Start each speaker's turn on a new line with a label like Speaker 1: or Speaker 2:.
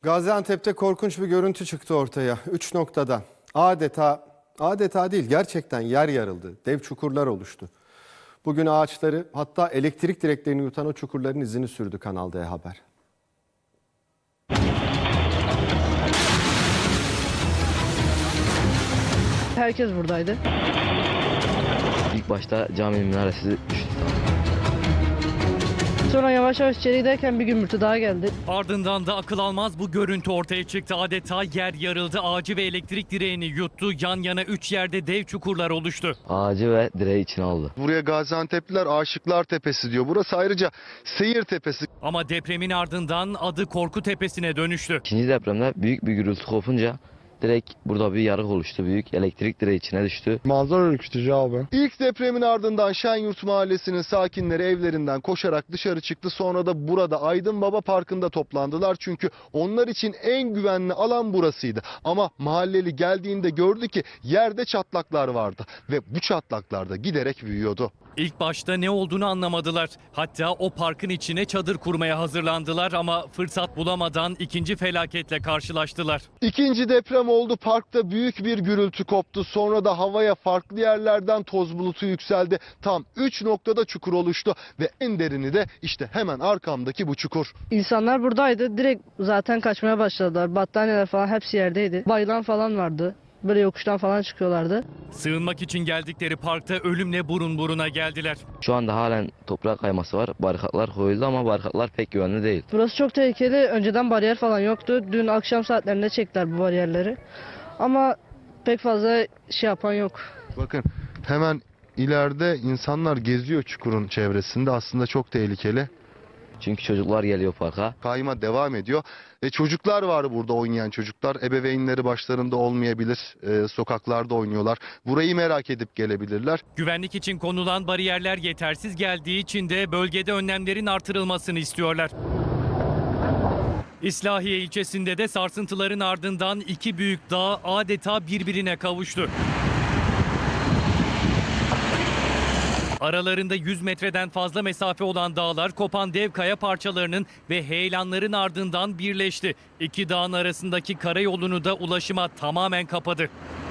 Speaker 1: Gaziantep'te korkunç bir görüntü çıktı ortaya. 3 noktada adeta değil gerçekten yer yarıldı. Dev çukurlar oluştu. Bugün ağaçları hatta elektrik direklerini yutan o çukurların izini sürdü Kanal D Haber.
Speaker 2: Herkes buradaydı.
Speaker 3: İlk başta caminin minaresi düştü.
Speaker 2: Sonra yavaş yavaş içeri giderken bir gümbürtü daha geldi.
Speaker 4: Ardından da akıl almaz bu görüntü ortaya çıktı. Adeta yer yarıldı. Ağacı ve elektrik direğini yuttu. Yan yana 3 yerde dev çukurlar oluştu.
Speaker 3: Ağacı ve direği içine aldı.
Speaker 5: Buraya Gaziantep'liler Aşıklar Tepesi diyor. Burası ayrıca Seyir Tepesi.
Speaker 4: Ama depremin ardından adı Korku Tepesi'ne dönüştü.
Speaker 3: İkinci depremde büyük bir gürültü kopunca direkt burada bir yarık oluştu. Büyük elektrik direği içine düştü.
Speaker 6: Manzara ürkütücü abi.
Speaker 5: İlk depremin ardından Şenyurt Mahallesi'nin sakinleri evlerinden koşarak dışarı çıktı. Sonra da burada Aydın Baba Parkı'nda toplandılar. Çünkü onlar için en güvenli alan burasıydı. Ama mahalleli geldiğinde gördü ki yerde çatlaklar vardı. Ve bu çatlaklar da giderek büyüyordu.
Speaker 4: İlk başta ne olduğunu anlamadılar. Hatta o parkın içine çadır kurmaya hazırlandılar ama fırsat bulamadan ikinci felaketle karşılaştılar.
Speaker 5: İkinci deprem oldu. Parkta büyük bir gürültü koptu. Sonra da havaya farklı yerlerden toz bulutu yükseldi. Tam 3 noktada çukur oluştu ve en derini de işte hemen arkamdaki bu çukur.
Speaker 2: İnsanlar buradaydı. Direkt zaten kaçmaya başladılar. Battaniyeler falan hepsi yerdeydi. Bayılan falan vardı. Böyle yokuştan falan çıkıyorlardı.
Speaker 4: Sığınmak için geldikleri parkta ölümle burun buruna geldiler.
Speaker 3: Şu anda halen toprak kayması var. Barikatlar koyuldu ama barikatlar pek güvenli değil.
Speaker 2: Burası çok tehlikeli. Önceden bariyer falan yoktu. Dün akşam saatlerinde çektiler bu bariyerleri. Ama pek fazla şey yapan yok.
Speaker 5: Bakın hemen ileride insanlar geziyor çukurun çevresinde. Aslında çok tehlikeli.
Speaker 3: Çünkü çocuklar geliyor parka.
Speaker 5: Kayma devam ediyor. Çocuklar var burada, oynayan çocuklar. Ebeveynleri başlarında olmayabilir. Sokaklarda oynuyorlar. Burayı merak edip gelebilirler.
Speaker 4: Güvenlik için konulan bariyerler yetersiz geldiği için de bölgede önlemlerin artırılmasını istiyorlar. İslahiye ilçesinde de sarsıntıların ardından iki büyük dağ adeta birbirine kavuştu. Aralarında 100 metreden fazla mesafe olan dağlar kopan dev kaya parçalarının ve heyelanların ardından birleşti. İki dağın arasındaki karayolunu da ulaşıma tamamen kapadı.